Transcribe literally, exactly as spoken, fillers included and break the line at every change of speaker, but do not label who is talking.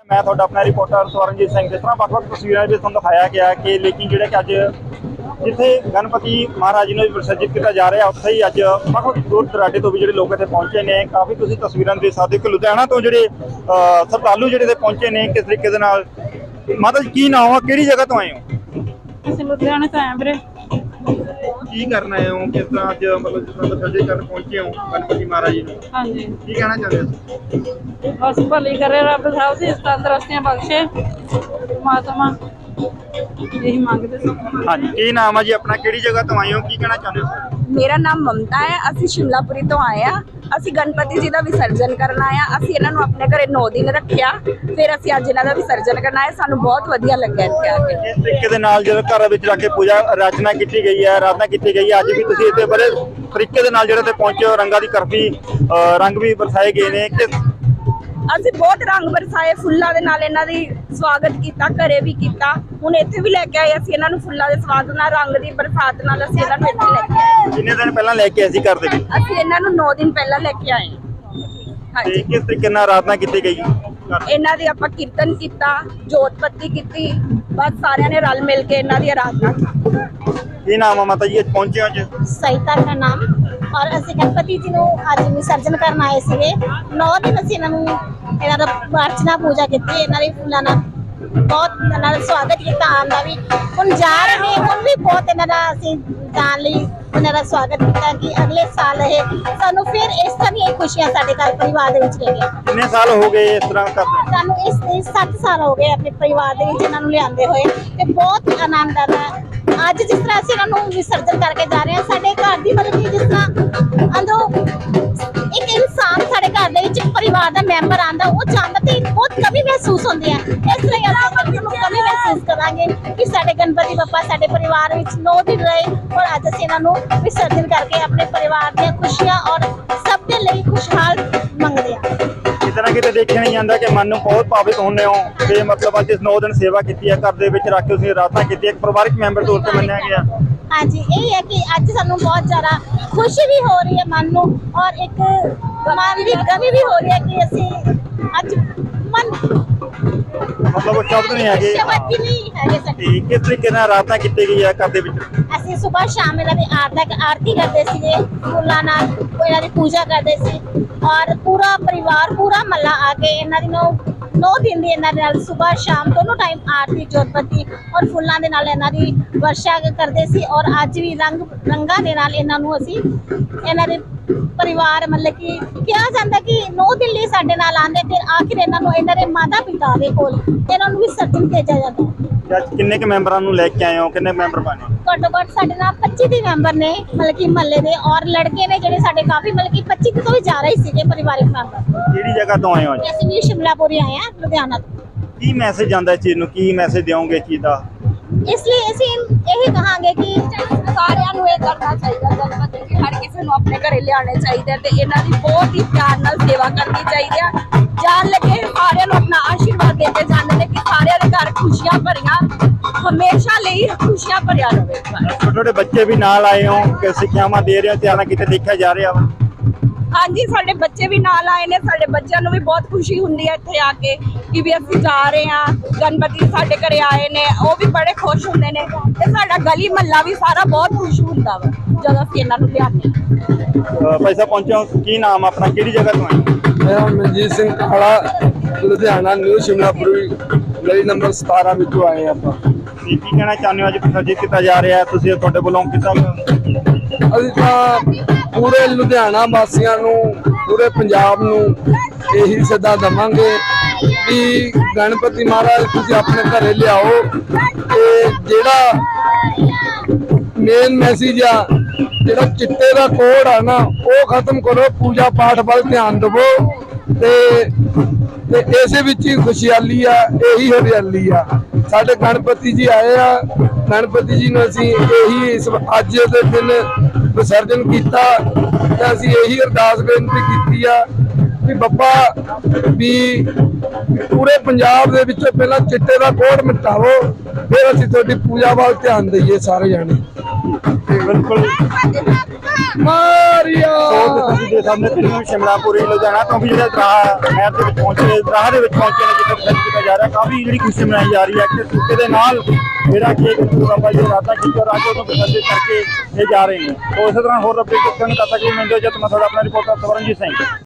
मैं थोड़ा अपना रिपोर्टर स्वरणजीत सिंह। जिस तरह ਵੱਖ-ਵੱਖ तस्वीरों में ਤੁਹਾਨੂੰ दिखाया गया कि लेकिन ਜਿਹੜੇ ਕਿ ਅੱਜ जिथे गणपति महाराज जी ਨੂੰ विसर्जित किया जा रहा है उत्थे ही अज ਵੱਖ-ਵੱਖ दूर दराडे तो भी ਜਿਹੜੇ लोग इत्थे पहुंचे ने। काफ़ी तुसीं तस्वीरां देख सकदे कि लुधियाना तो ਜਿਹੜੇ श्रद्धालु ਜਿਹੜੇ इत्थे पहुंचे ने किस तरीके दे नाल। माता जी की नाम है, किहड़ी जगह तो आए हो?
ਅਸੀਂ ਲੁਧਿਆਣੇ ਤੋਂ ਆਏ ਵੀਰੇ।
की करना है हो, किस तरह अज मतलब जिस तरह विसर्जित करने पहुंचे हो गणपति महाराज जी ने,
ਹਾਂਜੀ
की कहना चाहते हो?
ਬਸ ਭਲੀ ਕਰੇ ਰੱਬ ਸਾਹਿਬ ਦੀ ਤੰਦਰੁਸਤੀਆਂ ਬਖਸ਼ੇ ਪਰਮਾਤਮਾ, यही ਮੰਗਦੇ ਸੀ।
हाँ जी, की नाम है जी अपना, किहड़ी जगह तो आए हो, की कहना चाहते हो?
मेरा नाम ममता है। ਅਸੀਂ शिमलापुरी तो आए हैं। ਅਸੀਂ गणपति जी का विसर्जन करन आए हैं। ਅਸੀਂ ਇਹਨਾਂ ਨੂੰ ਆਪਣੇ ਘਰੇ नौ दिन ਰੱਖਿਆ, ਫਿਰ ਅਸੀਂ ਅੱਜ ਇਹਨਾਂ ਦਾ ਵਿਸਰਜਨ ਕਰਨਾ ਹੈ। ਸਾਨੂੰ ਬਹੁਤ ਵਧੀਆ ਲੱਗਾ ਇੱਥੇ ਆ ਕੇ।
ਇਸ ਤਰੀਕੇ ਦੇ ਨਾਲ ਜਦੋਂ ਘਰ ਵਿੱਚ ਰੱਖ ਕੇ ਪੂਜਾ ਅਰਚਨਾ ਕੀਤੀ ਗਈ ਹੈ, ਆਰਾਧਨਾ ਕੀਤੀ ਗਈ ਹੈ, ਅੱਜ ਵੀ ਤੁਸੀਂ ਇੱਥੇ ਬੜੇ ਤਰੀਕੇ ਦੇ ਨਾਲ ਜਿਹੜੇ ਤੇ ਪਹੁੰਚੇ ਹੋ, ਰੰਗਾਂ ਦੀ ਕਰਫੀ ਰੰਗ ਵੀ ਬਰਸਾਏ ਗਏ ਨੇ। ਕਿ
ਅਸੀਂ ਬਹੁਤ ਰੰਗ ਬਰਸਾਏ, ਫੁੱਲਾਂ ਦੇ ਨਾਲ ਇਹਨਾਂ ਦੀ ਸਵਾਗਤ ਕੀਤਾ, ਘਰੇ ਵੀ ਕੀਤਾ, ਹੁਣ ਇੱਥੇ ਵੀ ਲੈ ਕੇ ਆਏ। ਅਸੀਂ ਇਹਨਾਂ ਨੂੰ ਫੁੱਲਾਂ ਦੇ ਸਵਾਗਤ ਨਾਲ, ਰੰਗ ਦੀ ਬਰਸਾਤ ਨਾਲ ਅਸੀਂ ਇਹਨਾਂ ਨੂੰ ਇੱਥੇ ਲੈ ਕੇ ਆਏ।
ਕਿੰਨੇ ਦਿਨ ਪਹਿਲਾਂ ਲੈ ਕੇ ਆਏ ਸੀ ਘਰ ਦੇ ਵਿੱਚ?
ਅਸੀਂ ਇਹਨਾਂ ਨੂੰ ਨौ ਦਿਨ ਪਹਿਲਾਂ ਲੈ ਕੇ ਆਏ।
ਤੇ
ਹਾਂਜੀ,
ਕਿਸ ਤਰੀਕੇ ਨਾਲ ਆਰਾਧਨਾ ਕੀਤੀ ਗਈ?
ਇਹਨਾਂ ਦੀ ਆਪਾਂ ਕੀਰਤਨ ਕੀਤਾ, ਜੋਤ ਬੱਤੀ ਕੀਤੀ, ਬਸ ਸਾਰਿਆਂ ਨੇ ਰਲ ਮਿਲ ਕੇ ਇਹਨਾਂ ਦੀ ਆਰਾਧਨਾ ਕੀਤੀ।
ਕੀ ਨਾਮ ਆ ਮਾਤਾ ਜੀ, ਅੱਜ ਪਹੁੰਚੇ ਹੋ ਅੱਜ?
सहिता का नाम और ਅਸੀਂ गणपति जी ਨੂੰ ਅੱਜ ਵਿਸਰਜਨ ਕਰਨ ਆਏ ਸੀਗੇ। नौ दिन ਅਸੀਂ ਇਹਨਾਂ ਨੂੰ ਇਹਨਾਂ ਦਾ ਅਰਚਨਾ ਪੂਜਾ ਕੀਤੀ, ਇਹਨਾਂ ਦੀ ਫੁੱਲਾਂ ਨਾਲ ਬਹੁਤ ਇਹਨਾਂ ਦਾ ਸਵਾਗਤ ਕੀਤਾ। ਆਉਣ ਦਾ ਵੀ ਹੁਣ ਜਾ ਰਹੇ ਨੇ, ਹੁਣ ਵੀ ਬਹੁਤ ਇਹਨਾਂ ਦਾ ਅਸੀਂ ਜਾਣ ਲਈ ਇਹਨਾਂ ਦਾ ਸਵਾਗਤ ਕੀਤਾ ਕਿ ਅਗਲੇ ਸਾਲ ਇਹ ਸਾਨੂੰ ਫਿਰ ਇਸ ਤਰ੍ਹਾਂ ਦੀਆਂ ਖੁਸ਼ੀਆਂ ਸਾਡੇ ਘਰ ਪਰਿਵਾਰ ਦੇ ਵਿੱਚ ਰਹਿਣ।
ਕਿੰਨੇ ਸਾਲ ਹੋ ਗਏ ਇਸ ਤਰ੍ਹਾਂ ਕਰਦੇ?
ਸਾਨੂੰ ਇਸ ਇਸ ਸੱਤ ਸਾਲ ਹੋ ਗਏ ਆਪਣੇ ਪਰਿਵਾਰ ਦੇ ਵਿੱਚ ਇਹਨਾਂ ਨੂੰ ਲਿਆਂਦੇ ਹੋਏ, ਤੇ ਬਹੁਤ ਆਨੰਦ ਆਉਂਦਾ। ਅੱਜ ਜਿਸ ਤਰ੍ਹਾਂ ਅਸੀਂ ਇਹਨਾਂ ਨੂੰ ਵਿਸਰਜਨ ਕਰਕੇ ਜਾ ਰਹੇ ਹਾਂ, ਸਾਡੇ ਘਰ ਦੀ ਮਤਲਬ ਕਿ ਜਿਸ ਤਰ੍ਹਾਂ ਅੰਦਰੋਂ ਇੱਕ ਇਨਸਾਨ ਸਾਡੇ ਘਰ ਦੇ ਵਿੱਚ ਪਰਿਵਾਰ ਦਾ ਮੈਂਬਰ ਆਂਦਾ, ਉਹ ਚਾਹੁੰਦਾ ਤੇ ਬਹੁਤ ਕਮੀ ਮਹਿਸੂਸ ਹੁੰਦੀ ਹੈ। ਇਸ ਲਈ ਅਸੀਂ ਨੂੰ ਕਮੀ ਮਹਿਸੂਸ ਕਰਾਂਗੇ ਕਿ ਸਾਡੇ ਗਣਪਤੀ ਬੱਪਾ ਸਾਡੇ ਪਰਿਵਾਰ ਵਿੱਚ ਨੌ ਦਿਨ ਰਹੇ, ਔਰ ਅੱਜ ਅਸੀਂ ਇਹਨਾਂ ਨੂੰ ਵਿਸਰਜਨ ਕਰਕੇ ਆਪਣੇ ਪਰਿਵਾਰ ਦੀਆਂ ਖੁਸ਼ੀਆਂ ਔਰ ਸਭ ਦੇ ਲਈ ਖੁਸ਼ਹਾਲ ਮੰਗਦੇ ਹਾਂ।
ਕਿਤੇ ਨਾ ਕਿਤੇ ਦੇਖਿਆ ਨਹੀਂ ਜਾਂਦਾ ਕਿ ਮਨ ਨੂੰ ਬਹੁਤ ਭਾਵਿਤ ਹੁੰਦੇ ਹੋ ਤੇ ਮਤਲਬ ਅੱਜ ਇਸ ਨੌ ਦਿਨ ਸੇਵਾ ਕੀਤੀ ਹੈ, ਘਰ ਦੇ ਵਿੱਚ ਰੱਖ ਕੇ ਤੁਸੀਂ ਆਰਾਧਨਾ ਕੀਤੀ ਹੈ, ਇੱਕ ਪਰਿਵਾਰਕ ਮੈਂਬਰ ਤੌਰ ਤੇ ਮੰਨਿਆ ਗਿਆ।
ਹਾਂਜੀ, ਇਹ ਹੈ ਕਿ ਅੱਜ ਸਾਨੂੰ ਬਹੁਤ ਜ਼ਿਆਦਾ ਖੁਸ਼ੀ ਵੀ ਹੋ ਰਹੀ ਹੈ ਮਨ ਨੂੰ, ਔਰ ਇੱਕ ਮਨ ਦੀ ਕਮੀ ਵੀ ਹੋ ਰਹੀ ਹੈ ਕਿ ਅਸੀਂ ਅੱਜ ਮਨ
ਮਤਲਬ ਉਹ ਸ਼ਬਦ ਨਹੀਂ ਹੈਗੇ।
ਸ਼ਬਦ ਵੀ ਨਹੀਂ ਹੈਗੇ ਸਾਡੇ।
ਤੇ ਕਿਸ ਤਰੀਕੇ ਨਾਲ ਆਰਾਧਨਾ ਕੀਤੀ ਗਈ ਹੈ ਘਰ ਦੇ ਵਿੱਚ?
ਅਸੀਂ ਸਵੇਰ ਸ਼ਾਮ ਇਹਨਾਂ ਦੀ ਆਰਤੀ ਆਰਤੀ ਕਰਦੇ ਸੀਗੇ, ਫੁੱਲਾਂ ਨਾਲ ਇਹਨਾਂ ਦੀ ਪੂਜਾ ਕਰਦੇ ਸੀ, ਔਰ ਪੂਰਾ ਪਰਿਵਾਰ ਪੂਰਾ ਮਹੱਲਾ ਆ ਕੇ ਇਹਨਾਂ ਦੀ ਨੌ ਨੌ ਦਿਨ ਦੀ ਇਹਨਾਂ ਦੇ ਨਾਲ ਸਵੇਰ ਸ਼ਾਮ ਦੋਨੋਂ ਟਾਈਮ ਆਰਤੀ ਜੋਤਬੱਤੀ ਔਰ ਫੁੱਲਾਂ ਦੇ ਨਾਲ ਇਹਨਾਂ ਦੀ ਵਰਸ਼ਾ ਕਰਦੇ ਸੀ। ਔਰ ਅੱਜ ਵੀ ਰੰਗ ਰੰਗਾਂ ਦੇ ਨਾਲ ਇਹਨਾਂ ਨੂੰ ਅਸੀਂ ਇਹਨਾਂ ਦੇ ਪਰਿਵਾਰ ਮਤਲਬ ਕਿ ਕਿਹਾ ਜਾਂਦਾ ਕਿ ਨੌ ਦਿਨ ਲਈ ਸਾਡੇ ਨਾਲ ਆਉਂਦੇ, ਫਿਰ ਆਖਿਰ ਇਹਨਾਂ ਨੂੰ ਇਹਨਾਂ ਦੇ ਮਾਤਾ ਪਿਤਾ ਦੇ ਕੋਲ ਇਹਨਾਂ ਨੂੰ ਵਿਸਰਜਨ ਭੇਜਿਆ ਜਾਂਦਾ।
ਅੱਜ ਕਿੰਨੇ ਕੁ ਮੈਂਬਰਾਂ ਨੂੰ ਲੈ ਕੇ ਆਏ ਹੋ, ਕਿੰਨੇ ਮੈਂਬਰ ਬਣੇ?
ਘੱਟੋ ਘੱਟ ਸਾਡੇ ਨਾਲ ਪੱਚੀ ਦੇ ਮੈਂਬਰ ਨੇ, ਮਤਲਬ ਕਿ ਮਹੱਲੇ ਦੇ, ਔਰ ਲੜਕੇ ਨੇ ਜਿਹੜੇ ਸਾਡੇ ਕਾਫੀ ਮਤਲਬ ਕਿ ਪੱਚੀ ਤੋਂ ਵੀ ਜ਼ਿਆਦਾ ਹੀ ਸੀਗੇ ਪਰਿਵਾਰਕ ਮੈਂਬਰ।
ਕਿਹੜੀ ਜਗ੍ਹਾ ਤੋਂ ਆਏ ਹੋ ਅੱਜ?
ਅਸੀਂ ਵੀ ਸ਼ਿਮਲਾਪੁਰੀ ਆਏ ਹਾਂ, ਲੁਧਿਆਣਾ ਤੋਂ।
ਕੀ ਮੈਸੇਜ ਜਾਂਦਾ ਇਸ ਚੀਜ਼ ਨੂੰ, ਕੀ ਮੈਸੇਜ ਦਿਓਗੇ ਇਸ ਚੀਜ਼ ਦਾ?
ਇਸ ਲਈ ਅਸੀਂ ਇਹੀ ਕਹਾਂਗੇ ਕਿ
ਸਾਰਿਆਂ ਨੂੰ ਇਹ ਕਰਨਾ ਚਾਹੀਦਾ, ਗਣਪਤੀ ਜੀ ਹਰ ਕਿਸੇ ਨੂੰ ਆਪਣੇ ਘਰੇ ਲਿਆਉਣੇ ਚਾਹੀਦੇ ਤੇ ਇਹਨਾਂ ਦੀ ਬਹੁਤ ਹੀ ਪਿਆਰ ਨਾਲ ਸੇਵਾ ਕਰਨੀ ਚਾਹੀਦੀ ਆ। ਜਾਣ ਲੱਗੇ ਸਾਰਿਆਂ ਨੂੰ ਆਪਣਾ ਆਸ਼ੀਰਵਾਦ ਦੇ ਕੇ ਜਾਂਦੇ ਨੇ ਕਿ ਸਾਰਿਆਂ ਦੇ ਘਰ ਖੁਸ਼ੀਆਂ ਭਰੀਆਂ, ਹਮੇਸ਼ਾ ਲਈ ਖੁਸ਼ੀਆਂ ਭਰਿਆ ਰਹੇ।
ਛੋਟੇ ਛੋਟੇ ਬੱਚੇ ਵੀ ਨਾਲ ਆਏ ਹੋ, ਕਿ ਸਿੱਖਿਆਵਾਂ ਦੇ ਰਹੇ ਹੋ, ਤੇ ਆਣਾ ਕਿਤੇ ਦੇਖਿਆ ਜਾ ਰਿਹਾ ਵਾ?
ਹਾਂਜੀ, ਸਾਡੇ ਬੱਚੇ ਵੀ ਨਾਲ ਆਏ ਨੇ। ਸਾਡੇ ਬੱਚਿਆਂ ਨੂੰ ਵੀ ਬਹੁਤ ਖੁਸ਼ੀ ਹੁੰਦੀ ਹੈ ਇੱਥੇ ਆ ਕੇ ਕਿ ਵੀ ਅਸੀਂ ਜਾ ਰਹੇ ਹਾਂ, ਗਣਪਤੀ ਸਾਡੇ ਘਰੇ ਆਏ ਨੇ, ਉਹ ਵੀ ਬੜੇ ਖੁਸ਼ ਹੁੰਦੇ ਨੇ ਤੇ ਸਾਡਾ ਗਲੀ ਮਹੱਲਾ ਵੀ ਸਾਰਾ ਬਹੁਤ ਖੁਸ਼ ਹੁੰਦਾ ਵਾ ਜਦੋਂ ਅਸੀਂ ਇਹਨਾਂ ਨੂੰ ਲਿਆਉਂਦੇ ਹਾਂ।
ਪੈਸਾ ਪਹੁੰਚੇ ਹੋ, ਕੀ ਨਾਮ ਆਪਣਾ, ਕਿਹੜੀ ਜਗ੍ਹਾ ਤੋਂ ਆਏ?
ਮੇਰਾ ਮਨਜੀਤ ਸਿੰਘ ਕਾਲਾ, ਲੁਧਿਆਣਾ ਨਿਊ ਸ਼ਿਮਲਾਪੁਰੀ ਗਲੀ ਨੰਬਰ ਸਤਾਰਾਂ ਵਿੱਚੋਂ ਆਏ ਆਪਾਂ।
ਕੀ ਕਹਿਣਾ ਚਾਹੁੰਦੇ ਹੋ ਅੱਜ ਵਿਸਰਜਿਤ ਕੀਤਾ ਜਾ ਰਿਹਾ ਹੈ, ਤੁਸੀਂ ਤੁਹਾਡੇ ਵੱਲੋਂ ਕੀਤਾ?
ਅਸੀਂ ਤਾਂ ਪੂਰੇ ਲੁਧਿਆਣਾ ਵਾਸੀਆਂ ਨੂੰ, ਪੂਰੇ ਪੰਜਾਬ ਨੂੰ ਇਹੀ ਸੱਦਾ ਦੇਵਾਂਗੇ ਕਿ ਗਣਪਤੀ ਮਹਾਰਾਜ ਤੁਸੀਂ ਆਪਣੇ ਘਰੇ ਲਿਆਓ, ਤੇ ਜਿਹੜਾ ਮੇਨ ਮੈਸੇਜ ਆ, ਜਿਹੜਾ ਚਿੱਟੇ ਦਾ ਕੋਡ ਆ ਨਾ, ਉਹ ਖਤਮ ਕਰੋ, ਪੂਜਾ ਪਾਠ ਵੱਲ ਧਿਆਨ ਦੇਵੋ, ਤੇ ਤੇ ਇਸੇ ਵਿੱਚ ਹੀ ਖੁਸ਼ਹਾਲੀ ਆ, ਇਹੀ ਹਰਿਆਲੀ ਆ। ਸਾਡੇ ਗਣਪਤੀ ਜੀ ਆਏ ਆ, ਗਣਪਤੀ ਜੀ ਨੂੰ ਅਸੀਂ ਇਹੀ ਇਸ ਅੱਜ ਦੇ ਦਿਨ ਵਿਸਰਜਨ ਕੀਤਾ, ਤੇ ਅਸੀਂ ਇਹੀ ਅਰਦਾਸ ਬੇਨਤੀ ਕੀਤੀ ਆ ਵੀ ਬੱਬਾ ਵੀ ਪੂਰੇ ਪੰਜਾਬ ਦੇ ਵਿੱਚੋਂ ਪਹਿਲਾਂ ਚਿੱਟੇ ਦਾ ਕੋਡ ਮਿਟਾਵੋ, ਫਿਰ ਅਸੀਂ ਤੁਹਾਡੀ ਪੂਜਾ ਵੱਲ ਧਿਆਨ ਦਈਏ ਸਾਰੇ ਜਾਣੇ।
ਬਿਲਕੁਲ।
ਮਾਰੀਆ
ਸੋ ਤੁਸੀਂ ਦੇ ਸਾਹਮਣੇ ਤਰੀਮ ਸ਼ਿਮਲਾਪੁਰੀ ਲੁਧਿਆਣਾ ਤੋਂ ਵੀ ਜਿਹੜੇ ਦਰਾਹ ਨਹਿਰ ਦੇ ਵਿੱਚ ਪਹੁੰਚੇ ਦਰਾਹ ਦੇ ਵਿੱਚ ਪਹੁੰਚੇ ਨੇ ਜਿੱਥੇ ਵਿਸਰਜਿਤ ਕੀਤਾ ਜਾ ਰਿਹਾ ਕਾਫੀ ਜਿਹੜੀ ਖੁਸ਼ੀ ਮਨਾਈ ਜਾ ਰਹੀ ਹੈ ਕਿ ਸੂਕੇ ਦੇ ਨਾਲ ਜਿਹੜਾ ਕਿ ਗੁਰੂ ਬਾਬਾ ਜੀ ਰਾਤਾਂ ਖਿੱਚੋ ਰਾਜੋ ਨੂੰ ਵਿਸਰਜਿਤ ਕਰਕੇ ਇਹ ਜਾ ਰਹੇ ਨੇ। ਸੋ ਇਸੇ ਤਰ੍ਹਾਂ ਹੋਰ ਅਪਡੇਟ ਕਰਨ ਤੱਕ ਕਿ ਮਿਲਦੇ ਜਦ ਮੈਂ ਤੁਹਾਡਾ ਆਪਣਾ ਰਿਪੋਰਟਰ ਸਵਰਨਜੀਤ ਸਿੰਘ।